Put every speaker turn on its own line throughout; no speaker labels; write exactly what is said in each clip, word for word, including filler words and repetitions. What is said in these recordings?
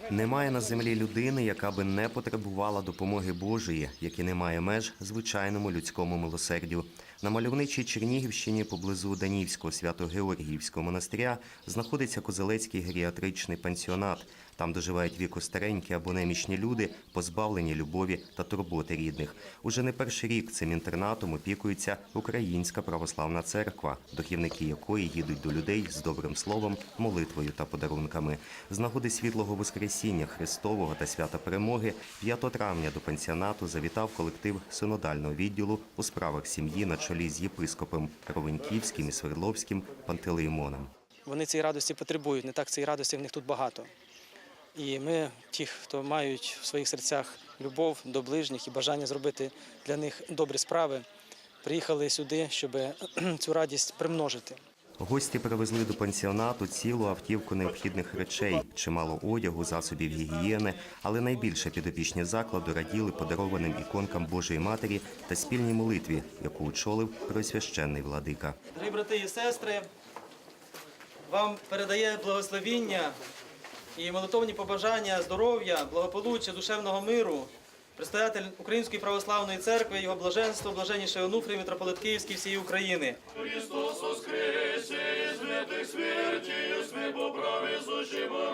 Немає на землі людини, яка би не потребувала допомоги Божої, як і немає меж звичайному людському милосердю. На мальовничій Чернігівщині поблизу Данівського Свято-Георгіївського монастиря знаходиться Козелецький геріатричний пансіонат. Там доживають віку старенькі або немічні люди, позбавлені любові та турботи рідних. Уже не перший рік цим інтернатом опікується Українська православна церква, духівники якої їдуть до людей з добрим словом, молитвою та подарунками. З нагоди Світлого Воскресіння Христового та Свята Перемоги п'ятого травня до пансіонату завітав колектив синодального відділу у справах сім'ї на чолі з єпископом Ровеньківським і Свердловським Пантелеймоном.
Вони цієї радості потребують, не так цієї радості в них тут багато. І ми, ті, хто мають в своїх серцях любов до ближніх і бажання зробити для них добрі справи, приїхали сюди, щоб цю радість примножити.
Гості привезли до пансіонату цілу автівку необхідних речей, чимало одягу, засобів гігієни, але найбільше підопічні закладу раділи подарованим іконкам Божої Матері та спільній молитві, яку очолив Преосвященний владика.
Дорогі брати і сестри, вам передає благословіння і молитовні побажання здоров'я, благополуччя, душевного миру предстоятель Української православної церкви, його блаженство, блаженніший Онуфрій, митрополит Київський всієї України.
Христос воскресе из мертвых смертью, смерть по праве сущего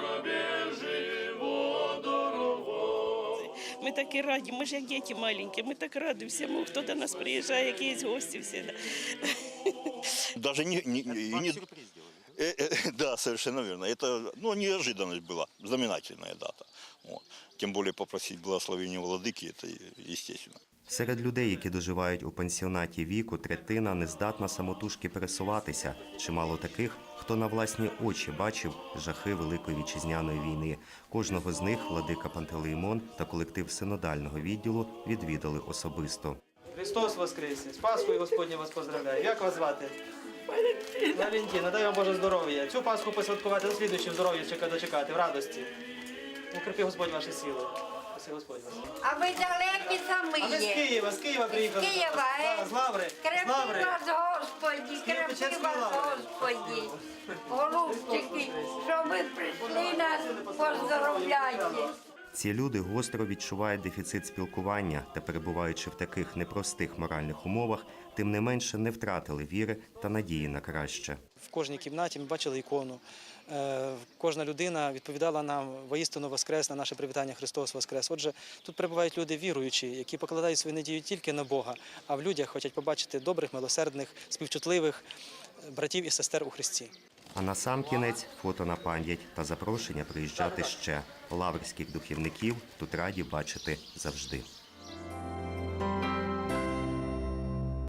дорогой.
Ми такі раді, ми ж як діти маленькі, ми так раді всьому, хто до нас приїжджає, якісь гості всі.
Даже не, не, не, не э, э, да, совершенно верно. Это, ну, неожиданность была, знаменательная дата. Вот. Тем более попросить благословения владыки, это естественно.
Серед людей, які доживають у пансіонаті віку, третина не здатна самотужки пересуватися. Чимало таких, хто на власні очі бачив жахи Великої Вітчизняної війни. Кожного з них владика Пантелеймон та колектив синодального відділу відвідали особисто.
Христос воскресе! З Пасхою Господнє вас поздравляю. Як вас звати? Валентина. Валентина, дай вам Боже здоров'я. Цю Пасху посвяткувати, дослідуючи в здоров'я дочекати, в радості. Укріпи Господь ваші сили. Спаси Господь вас.
А ви далекі самі
А ми з
є.
Києва, з Києва приїхали.
З Києва, е?
Да, з Лаври. З
Крепи
Лаври.
вас, Господі, крепи
Печерської
вас,
Лаври.
Господі. Голубчики, що ви прийшли нас, поздоровляйте.
Ці люди гостро відчувають дефіцит спілкування та, перебуваючи в таких непростих моральних умовах, тим не менше не втратили віри та надії на краще.
В кожній кімнаті ми бачили ікону. Кожна людина відповідала нам воістину воскрес на наше привітання «Христос воскрес». Отже, тут перебувають люди віруючі, які покладають свою надію тільки на Бога, а в людях хочуть побачити добрих, милосердних, співчутливих братів і сестер у Христі.
А на сам кінець фото на пам'ять та запрошення приїжджати ще. Лаврських духівників тут раді бачити завжди.